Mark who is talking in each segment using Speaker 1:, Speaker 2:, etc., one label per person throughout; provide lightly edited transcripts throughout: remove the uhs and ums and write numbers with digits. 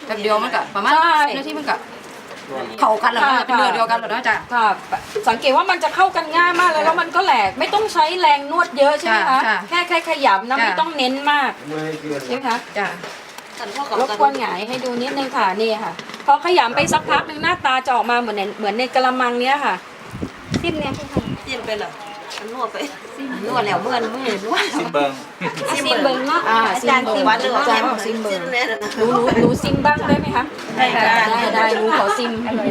Speaker 1: แป๊บเดียวมันก็ประมาณ10 นาทีมันก็เข้ากันแล้วเป็นเนื้อเดียวกันแล้วนะจ๊ะ
Speaker 2: ค่ะสังเกตว่ามันจะเข้ากันง่ายมากเลยแล้วมันก็แหลกไม่ต้องใช้แรงนวดเยอะใช่ไหมคะแค่ขยำนะไม่ต้องเน้นมากใช่ไหมคะ
Speaker 1: จ้ะ
Speaker 2: รบกวนหงายให้ดูนิดนึงค่ะนี่ค่ะพอขยำไปสักพักนึงหน้าตาจะออกมาเหมือนในกระมังเนี้ยค่ะ
Speaker 3: ซิมเนี่ยซิมไปเหรอนวดไปนวดแล้วเมื่อนวด
Speaker 4: ซิมเบิง
Speaker 3: ซิมเบิงเนาะอาจารย์ซิมวัดหรือว่าอาจารย์ซิมเบิง
Speaker 2: รู้ซิมบ้างได้ไหมคะได้รู้ขอซิม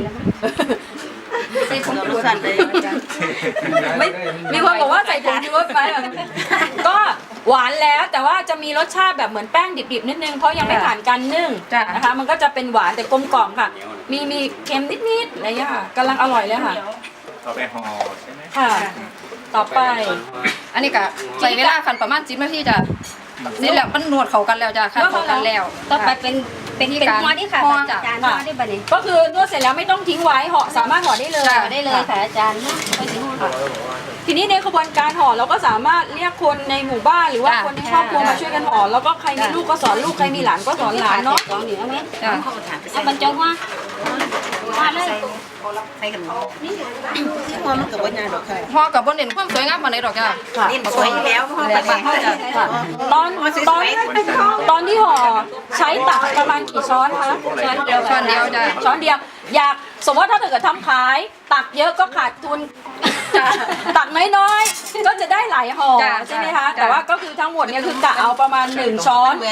Speaker 3: ใส่ผงชูรสเลย
Speaker 2: ไม่มีคนบอกว่าใส่ผงชูรสไปก็หวานแล้วแต่ว่าจะมีรสชาติแบบเหมือนแป้งดิบๆนิดนึงเพราะยังไม่ผ่านการนึ่งนะคะมันก็จะเป็นหวานแต่กลมกล่อมค่ะมีเค็มนิดๆอะไรอย่างเงี้ยค่ะกำลังอร่อยเลยค่ะ
Speaker 4: ต่อไปห่อใช่ไหม
Speaker 2: ค่ะต่อไป
Speaker 1: อันนี้ก็ใช้เวลาคันประมาณ10 นาทีจ้ะนี่แหละมันนวดเข้ากันแล้วจ้ะเข้ากันแล้ว
Speaker 3: ต่อไปเป็นห่อนี่ค่ะอาจารย์ห่อได้บัดนี้
Speaker 2: ก็คือนวดเสร็จแล้วไม่ต้องทิ้งไว้ห่อสามารถห่อได้เลย
Speaker 3: ค่ะอาจารย์ไปถึงห่อ
Speaker 2: ทีนี้ในกระบวนการห่อเราก็สามารถเรียกคนในหมู่บ้านหรือว่าคนในครอบครัวมาช่วยกันห่อแล้วก็ใครมีลูกก็สอนลูกใครมีหลานก็สอนหลานเนาะ
Speaker 3: เอาบรรจงว่าเลยใส่กันนี่ที่ห่อมันกับว่างานดอกค่ะ
Speaker 1: ห่อกับบนเด่นความสวยงามมาในดอกจ้ะ
Speaker 3: นี่สวยแล้วห่อแบบห่อจ้ะ
Speaker 2: ตอนที่ห่อใช้ตักประมาณกี่ช้อนคะ
Speaker 1: ช้อนเดียวจ้ะ
Speaker 2: ช้อนเดียวอยากสมมติถ้าเกิดทำขายตักเยอะก็ขาดทุนตักน้อยๆก็จะได้หลายห่อใช่ไหมคะแต่ว่าก็คือทั้งหมดเนี่ยคือกะเอาประมาณ1 ช้อน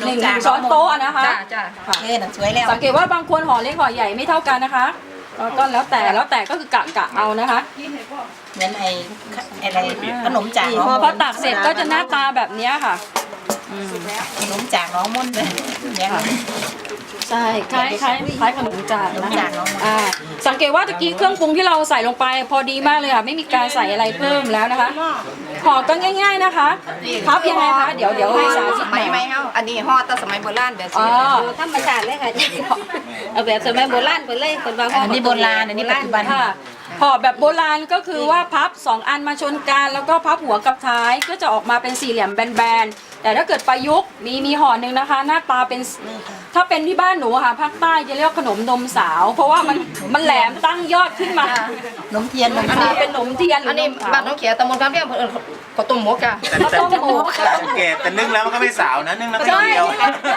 Speaker 2: 1 ช้อนโต๊ะนะคะ
Speaker 3: สวยแล้ว
Speaker 2: สังเกตว่าบางคนห่อเล็กห่อใหญ่ไม่เท่ากันนะคะก็แล้วแต่ก็คือกะเอานะคะ
Speaker 3: เหมือนอะไรขนมจาก
Speaker 2: พอตักเสร็จก็จะหน้าตาแบบนี้ค่ะ
Speaker 3: ขนมจากน้องมุ่นเลย
Speaker 2: ใช่คล้ายขนมจากนะคะสังเกตว่าตะกี้เครื่องปรุงที่เราใส่ลงไปพอดีมากเลยค่ะไม่มีการใส่อะไรเพิ่มแล้วนะคะห่อก็ง่ายๆนะคะพับยังไงคะเดี๋ยวให้สาธิต
Speaker 1: ไม่เฮาอันนี้ห่อแต่สมัยโบราณแบบนี้
Speaker 3: ธรรมชาติเลยค่ะเอาแบบสมัยโบราณไปเลยคนบางอันนี้โบราณอันนี้ปัจจุบัน
Speaker 2: ค่ะห่อแบบโบราณก็คือว่าพับ2 อันมาชนกันแล้วก็พับหัวกับท้ายก็จะออกมาเป็นสี่เหลี่ยมแบนๆแต่ถ้าเกิดประยุกต์มีห่อหนึ่งนะคะหน้าตาเป็นถ้าเป็นที่บ้านหนูค่ะภาคใต้จะเรียกขนมนมสาวเพราะว่ามันแหลมตั้งยอดขึ้นมา
Speaker 3: ขนมเทียน
Speaker 2: อันนี้เป็นขนมเทียน
Speaker 1: อันนี้บ้านน้องเขียตำบลคำเรียงข้าวต้มหมกจ้ะ
Speaker 2: ข้าวต้มหมก
Speaker 4: แกแต่นึ่งแล้วมันก็ไม่สาวนะนึ่งแล้วไม่เดียว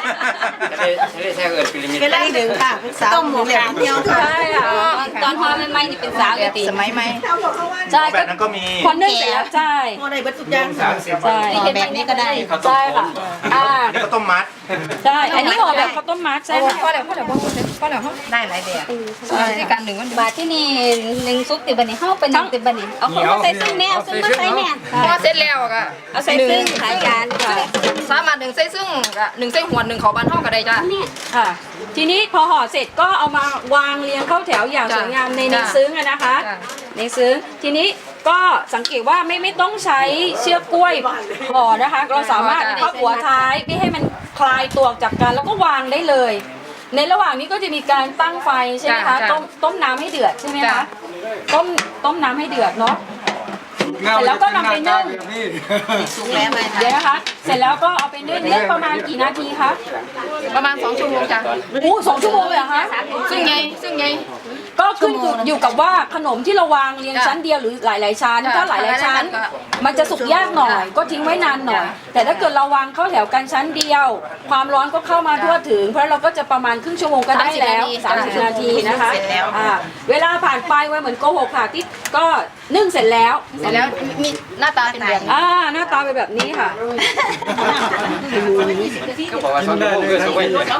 Speaker 3: เป็นอะไรหนึ่งค่ะเป็นสาวต้มหมกเดียว
Speaker 2: ใช่ค่ะ
Speaker 3: ตอนพอใหม่ๆนี่เป็นสาวอยู่ตี
Speaker 1: สมัยใหม่
Speaker 2: ใช่
Speaker 4: แบบนั้นก็มี
Speaker 2: คนนึ่งเสร็จแล้วใช่
Speaker 3: ห่อได้บรรจุย่าง
Speaker 2: ใช่
Speaker 3: แบบนี้ก็ได้
Speaker 2: ใช่ค่ะ
Speaker 4: นี่ก็ต้มมัด
Speaker 2: ใช่อันนี้ห่อแบบข้าวต้มมัดใช่ค่ะ
Speaker 1: พอแล้ว
Speaker 3: ได้หลายแบบ
Speaker 1: ที่การหนึ่ง
Speaker 3: บาทที่นี่1 ซุปติบันนี่เข้าเป็น1 ติบันนี่เอาของมาใส่ซึ่งแนวซึ่งมาใส่แน่
Speaker 1: พอเสร็จแล้วก็
Speaker 3: เอาใส่ซึ่งขายจาน
Speaker 1: สามารถ1 ใส่ซึ่ง1 ใส่หัว1เขาบ้านเฮาก็ได้จ้ะ
Speaker 2: ค่ะทีนี้พอห่อเสร็จก็เอามาวางเรียงเข้าแถวอย่างสวยงามในซึ้งนะคะในซึ้งทีนี้ก็สังเกตว่าไม่ต้องใช้เชือกกล้วยห่อนะคะเราสามารถพับหัวท้ายไม่ให้มันคลายตัวจากกันแล้วก็วางได้เลยในระหว่างนี้ก็จะมีการตั้งไฟใช่ไหมคะต้มน้ำให้เดือดใช่ไหมคะต้มน้ำให้เดือดเนาะเสร็จแล้วก็นำไปนึ่ง
Speaker 3: สุกแล้วไหม
Speaker 2: เดี๋ยวนะคะเสร็จแล้วก็เอาไปนึ่งประมาณกี่นาทีคะ
Speaker 1: ประมาณ2 ชั่วโมงจ้ะ
Speaker 2: 2 ชั่วโมงเลยเหรอคะ
Speaker 1: ซึ่งไง
Speaker 2: ก็ขึ้นอยู่กับว่าขนมที่เราวางเรียงชั้นเดียวหรือหลายๆชั้นถ้าหลายๆชั้นมันจะสุกยากหน่อยก็ทิ้งไว้นานหน่อยแต่ถ้าเกิดเราวางเข้าแถวกันชั้นเดียวความร้อนก็เข้ามาทั่วถึงเพราะเราก็จะประมาณครึ่งชั่วโมงก็ได้แล้ว30 นาทีนะคะเวลาผ่านไปไว้เหมือนโกหกค่ะที่ก็นึ่งเสร็จแล้ว
Speaker 1: มีหน้าตาเป็นแบบ
Speaker 2: หน้าตาเป็นแบบนี้ค่ะ
Speaker 4: ก็บอกว่า2 ชั่วโมงก็สุก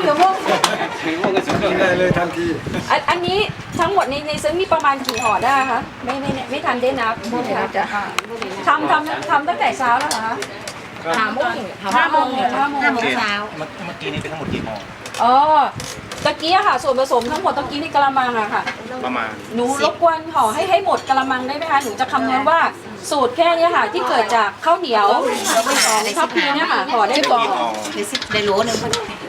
Speaker 4: ได้เลยทันที
Speaker 2: อันนี้ทั้งหมดในซึ้งมีประมาณกี่ห่อได้คะไม่ทันได้นับทำตั้งแต่เช้าแล้วเหรอคะ
Speaker 1: 5 โมง
Speaker 2: เช้า
Speaker 4: เมื่อกี้นี่เป็นทั้งหมดกี่ห่อ
Speaker 2: ตะกี้ค่ะส่วนผสมทั้งหมดตะกี้ในกระมังอะค่ะ
Speaker 4: ประมาณ
Speaker 2: หนูรบกวนห่อให้หมดกระมังได้ไหมคะหนูจะคำนวณว่าสูตรแค่นี้ค่ะที่เกิดจากข้าวเหนียว2 ทัพพีเนี่ยค่ะห่อได้ก่อน
Speaker 3: ได้โหลนึง